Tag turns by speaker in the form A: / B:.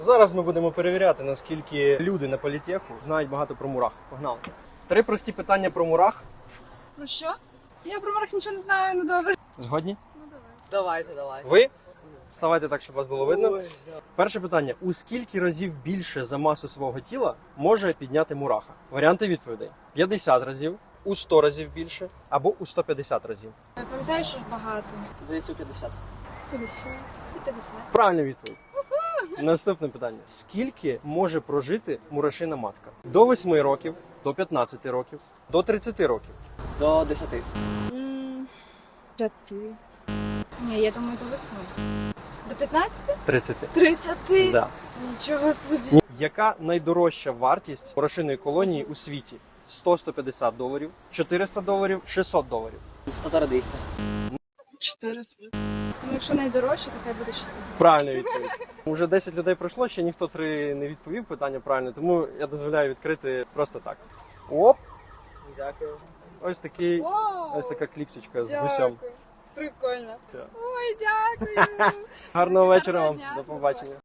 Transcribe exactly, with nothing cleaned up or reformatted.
A: Зараз ми будемо перевіряти, наскільки люди на політеху знають багато про мурах. Погнали. Три прості питання про мурах.
B: Ну що? Я про мурах нічого не знаю, ну добре.
A: Згодні?
B: Ну давай.
C: Давайте, давайте.
A: Ви? Ставайте так, щоб вас було видно. Перше питання. У скільки разів більше за масу свого тіла може підняти мураха? Варіанти відповідей. п'ятдесят разів, у сто разів більше або у сто п'ятдесят разів.
B: Я пам'ятаю, що ж багато.
C: Здається, п'ятдесят.
B: п'ятдесят. сто п'ятдесят.
A: Правильна відповідь. Наступне питання. Скільки може прожити мурашина матка? До восьми років, до п'ятнадцяти років, до тридцяти років.
C: До десяти.
B: П'яти. Ні, я думаю, до восьми. До п'ятнадцяти?
A: тридцяти.
B: Тридцяти.
A: Да.
B: Нічого собі.
A: Яка найдорожча вартість мурашиної колонії у світі? сто - сто п'ятдесят доларів, чотириста доларів, шістсот доларів.
C: сто двісті.
B: чотириста. Ну, якщо найдорожче, то хай буде шістдесят.
A: Правильна відповідь. Уже десять людей пройшло, ще ніхто три не відповів питання правильно, тому я дозволяю відкрити просто так. Оп!
C: Дякую.
A: Ось такий,
B: Вау!
A: ось така кліпсичка з гусем.
B: Прикольно.
A: Все.
B: Ой, дякую.
A: Гарного вечора вам.
B: дня.
A: До побачення.